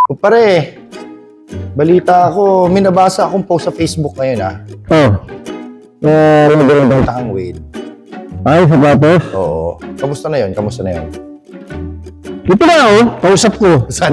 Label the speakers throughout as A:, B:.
A: O pare, balita ako, may nabasa akong post sa Facebook ngayon Maganda kang Wade.
B: Ay, sa tapos?
A: Oo. Kamusta na yun? Kamusta na yun?
B: Ito na kausap ko.
A: Saan?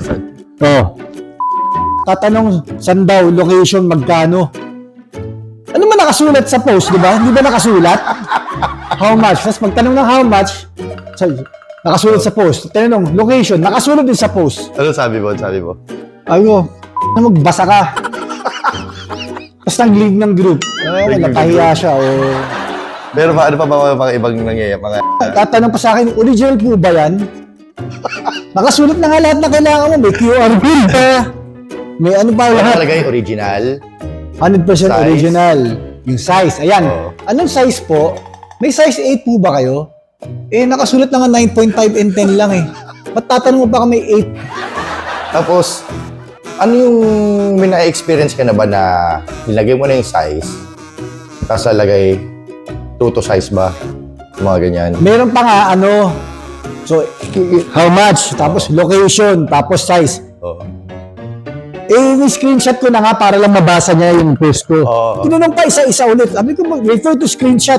B: Tatanong, saan daw, location, magkano? Ano man nakasulat sa post, di ba? Hindi ba nakasulat? How much? Tapos magtanong ng how much, nakasulat sa post. Tanong, location, nakasulat din sa post.
A: Ano sabi mo?
B: Ayun, magbasa ka. Tapos nag-leave ng group. Napahiya siya.
A: Pero ano pa ba mga ibang nangyayari?
B: Tatanong pa sa akin, original po ba yan? Nakasulat na nga lahat na kailangan mo. May QR code pa. May ano pa
A: Ano
B: lahat.
A: talaga yung original?
B: 100%
A: Size?
B: original. Yung size. Ayan.
A: Oo.
B: Anong size po? May size 8 po ba kayo? Nakasulat na nga 9.5 and 10 lang eh. Ba't tatanong mo pa kami 8?
A: Tapos, ano yung may na-experience ka na ba na nilagay mo na yung size, tapos nalagay 2 to size ba? Mga ganyan.
B: Meron pa nga so how much, tapos location, tapos size.
A: Oo.
B: Ni-screenshot ko na nga para lang mabasa niya yung post ko.
A: Oo.
B: Tinanong pa isa-isa ulit. Sabi ko, refer to screenshot.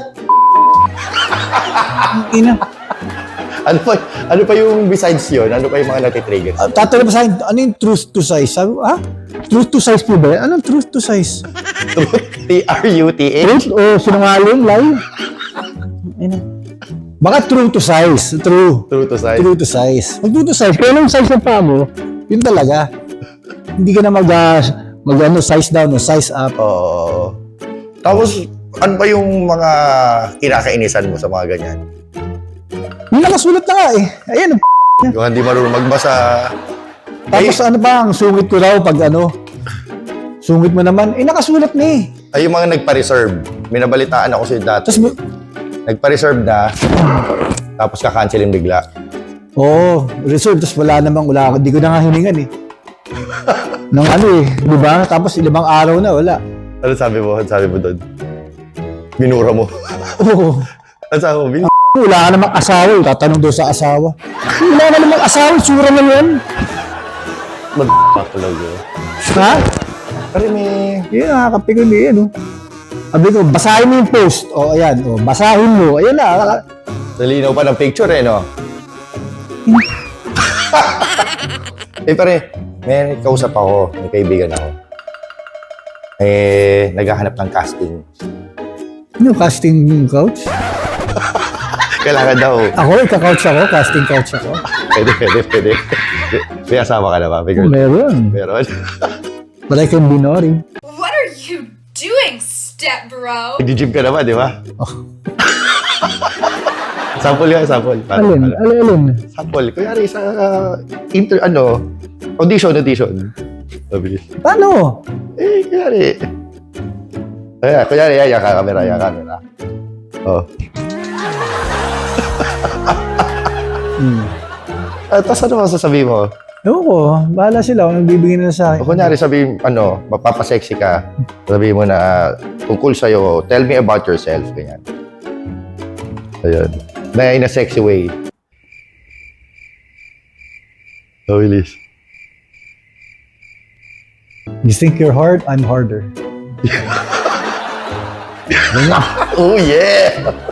B: Ina.
A: Ano pa yung besides yun? Ano pa yung mga natitrigger?
B: Tatanong pa sa akin, ano yung truth to size? Sabi ko, truth to size po ba yan? Anong truth to size?
A: T-R-U-T-H?
B: Truth o sinungaling, lie? Ina. Baka true to size. True.
A: True to size?
B: True to size. Pag true to size, kaya anong size ng paa mo, yun talaga. Hindi ka na size down o size up.
A: Oo. Tapos, ano ba yung mga kinakainisan mo sa mga ganyan?
B: Yung nakasulat na nga eh. Ayan.
A: Yung hindi marunong magbasa.
B: Tapos ano pa, ang sungit ko raw pag sungit mo naman, nakasulat na eh.
A: Ay, yung mga nagpa-reserve. May nabalitaan ako sa dati.
B: Tapos,
A: Nagpa-reserve na, tapos kakancelin bigla.
B: reserve, tapos wala, hindi ko na nga hiningan eh. Nang di ba? Tapos ilang araw na, wala.
A: Ano sabi mo? Ano sabi mo doon? Binura mo.
B: Oo.
A: Ano sabi mo?
B: Wala ka namang asawa, tatanong daw sa asawa. Wala ka namang asawa, sura lang yan.
A: Mag-tulog yun.
B: Ha?
A: Pero may...
B: Yun, nakakapigil eh, Sabi ko, basahin mo yung post. Ayan. Basahin mo. Ayan na.
A: Nalinaw pa ng picture no? Pare, may kausap ako. May kaibigan ako. Naghahanap ng casting.
B: Ano, casting couch?
A: Kailangan daw.
B: Ako, ika-couch ako. Casting couch ako.
A: Pwede. May asawa ka na ba? May girl?
B: Meron. But I can be naughty.
C: What are you doing, step bro?
A: Nag-gym ka naman, di ba? Sample nga, sample.
B: Alin?
A: Sample. Kunyari sa audition. Mabilis.
B: Paano?
A: Kunyari. Kunyari, yan camera. Tapos ano masasabi mo?
B: Ewan ko, bahala sila kung nagbibigay nila sa akin.
A: O kunyari sabihin, mapapasexy ka, sabihin mo na tungkol sa'yo, tell me about yourself, ganyan. Ayun. Na in a sexy way. Bilis.
B: You think you're hard? I'm harder.
A: Oh yeah!